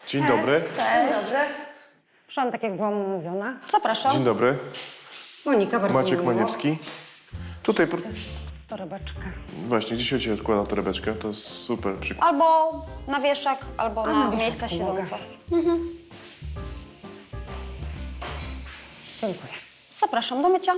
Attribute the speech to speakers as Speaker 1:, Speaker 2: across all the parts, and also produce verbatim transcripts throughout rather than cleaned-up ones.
Speaker 1: Dzień dobry.
Speaker 2: Dzień dobry.
Speaker 3: Przyszłam tak, jak byłam umówiona.
Speaker 2: Zapraszam.
Speaker 1: Dzień dobry.
Speaker 3: Monika, bardzo
Speaker 1: Maciek
Speaker 3: mi miło.
Speaker 1: Maniewski. Tutaj, pro-
Speaker 3: Torebeczka.
Speaker 1: właśnie, gdzie się u ciebie odkłada torebeczkę? To jest super przykład.
Speaker 2: Albo na wieszak, albo
Speaker 3: A,
Speaker 2: na,
Speaker 3: na wieszak
Speaker 2: miejsca
Speaker 3: pomogę.
Speaker 2: siedzące.
Speaker 3: Dziękuję.
Speaker 2: Zapraszam do mycia.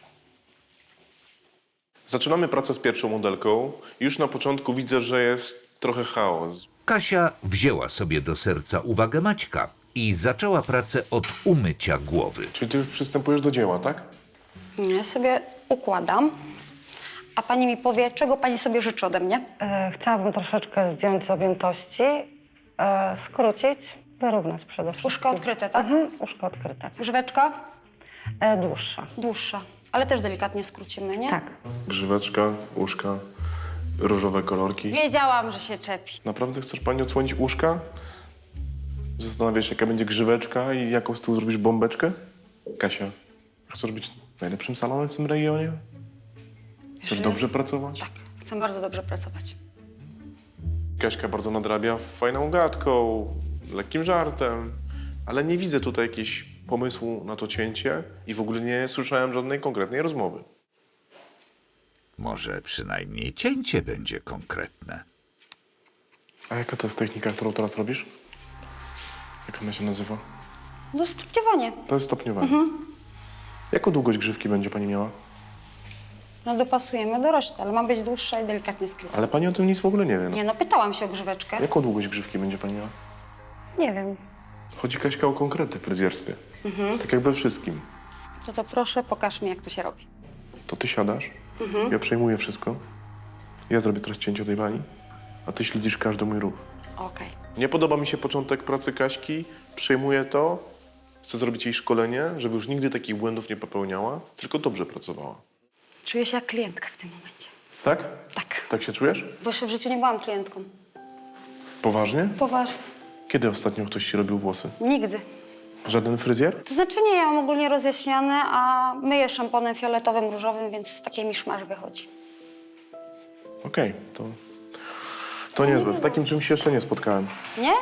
Speaker 1: Zaczynamy pracę z pierwszą modelką. Już na początku widzę, że jest trochę chaos.
Speaker 4: Kasia wzięła sobie do serca uwagę Maćka i zaczęła pracę od umycia głowy.
Speaker 1: Czyli ty już przystępujesz do dzieła, tak?
Speaker 2: Ja sobie układam, a pani mi powie, czego pani sobie życzy ode mnie.
Speaker 3: E, chciałabym troszeczkę zdjąć z objętości, e, skrócić, wyrównać przede wszystkim.
Speaker 2: Uszko odkryte, tak?
Speaker 3: Mhm, uszko odkryte.
Speaker 2: Grzyweczka
Speaker 3: E, dłuższa.
Speaker 2: dłuższa, ale też delikatnie skrócimy, nie?
Speaker 3: Tak.
Speaker 1: Grzyweczka, uszka, różowe kolorki.
Speaker 2: Wiedziałam, że się czepi.
Speaker 1: Naprawdę chcesz pani odsłonić uszka? Zastanawiasz się, jaka będzie grzyweczka i jaką z tyłu zrobisz bombeczkę? Kasia, chcesz być najlepszym salonem w tym regionie? Chcesz
Speaker 2: że
Speaker 1: dobrze
Speaker 2: jest-
Speaker 1: pracować?
Speaker 2: Tak, chcę bardzo dobrze pracować.
Speaker 1: Kaśka bardzo nadrabia fajną gadką, lekkim żartem, ale nie widzę tutaj jakiegoś pomysłu na to cięcie i w ogóle nie słyszałem żadnej konkretnej rozmowy.
Speaker 4: Może przynajmniej cięcie będzie konkretne.
Speaker 1: A jaka to jest technika, którą teraz robisz? Jak ona się nazywa?
Speaker 2: No stopniowanie.
Speaker 1: To jest stopniowanie. Jaką długość grzywki będzie pani miała?
Speaker 2: No dopasujemy do reszty, ale ma być dłuższa i delikatnie skrócona.
Speaker 1: Ale pani o tym nic w ogóle nie wie. No.
Speaker 2: Nie no, pytałam się o grzyweczkę.
Speaker 1: Jaką długość grzywki będzie pani miała?
Speaker 3: Nie wiem.
Speaker 1: Chodzi, Kaśka, o konkrety w fryzjerstwie. Tak jak we wszystkim.
Speaker 2: To, to proszę, pokaż mi, jak to się robi.
Speaker 1: To ty siadasz, ja przejmuję wszystko, ja zrobię teraz cięcie tej wani, a ty śledzisz każdy mój ruch.
Speaker 2: Okej.
Speaker 1: Nie podoba mi się początek pracy Kaśki, przejmuję to, chcę zrobić jej szkolenie, żeby już nigdy takich błędów nie popełniała, tylko dobrze pracowała.
Speaker 2: Czuję się jak klientka w tym momencie.
Speaker 1: Tak?
Speaker 2: Tak.
Speaker 1: Tak się czujesz?
Speaker 2: Bo jeszcze w życiu nie byłam klientką.
Speaker 1: Poważnie?
Speaker 2: Poważnie.
Speaker 1: Kiedy ostatnio ktoś ci robił włosy?
Speaker 2: Nigdy.
Speaker 1: Żaden fryzjer?
Speaker 2: To znaczy nie, ja mam ogólnie rozjaśniane, a myję szamponem fioletowym, różowym, więc taki miszmasz wychodzi.
Speaker 1: Okej, to... To niezłe, z takim czymś się jeszcze nie spotkałem.
Speaker 2: Nie?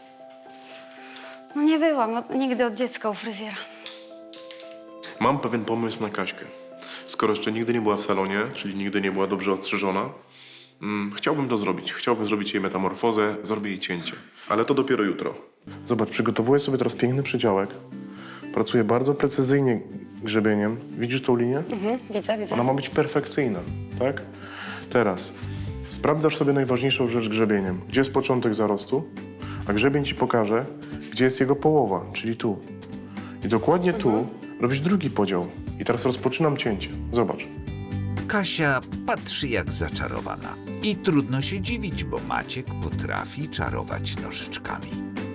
Speaker 2: No nie byłam od, nigdy od dziecka u fryzjera.
Speaker 1: Mam pewien pomysł na Kaśkę. Skoro jeszcze nigdy nie była w salonie, czyli nigdy nie była dobrze ostrzyżona, mm, chciałbym to zrobić. Chciałbym zrobić jej metamorfozę, zrobię jej cięcie. Ale to dopiero jutro. Zobacz, przygotowuję sobie teraz piękny przedziałek. Pracuję bardzo precyzyjnie grzebieniem. Widzisz tą linię?
Speaker 2: Mhm, widzę, widzę.
Speaker 1: Ona ma być perfekcyjna, tak? Teraz sprawdzasz sobie najważniejszą rzecz grzebieniem. Gdzie jest początek zarostu, a grzebień ci pokaże, gdzie jest jego połowa, czyli tu. I dokładnie tu robisz drugi podział. I teraz rozpoczynam cięcie. Zobacz.
Speaker 4: Kasia patrzy jak zaczarowana. I trudno się dziwić, bo Maciek potrafi czarować nożyczkami.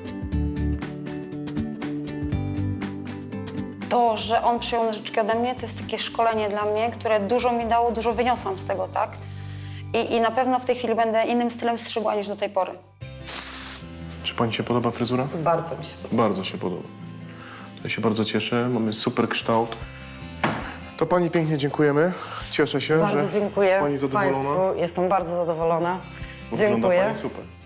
Speaker 2: To, że on przyjął nożyczki ode mnie, to jest takie szkolenie dla mnie, które dużo mi dało, dużo wyniosłam z tego, tak? I, i na pewno w tej chwili będę innym stylem strzygła niż do tej pory.
Speaker 1: Czy pani się podoba fryzura?
Speaker 3: Bardzo mi się podoba.
Speaker 1: Bardzo się podoba. Ja się bardzo cieszę. Mamy super kształt. To pani pięknie dziękujemy. Cieszę się,
Speaker 3: Bardzo
Speaker 1: że
Speaker 3: dziękuję
Speaker 1: pani zadowolona.
Speaker 3: Państwu. Jestem bardzo zadowolona.
Speaker 1: Wygląda
Speaker 3: Dziękuję.
Speaker 1: pani super.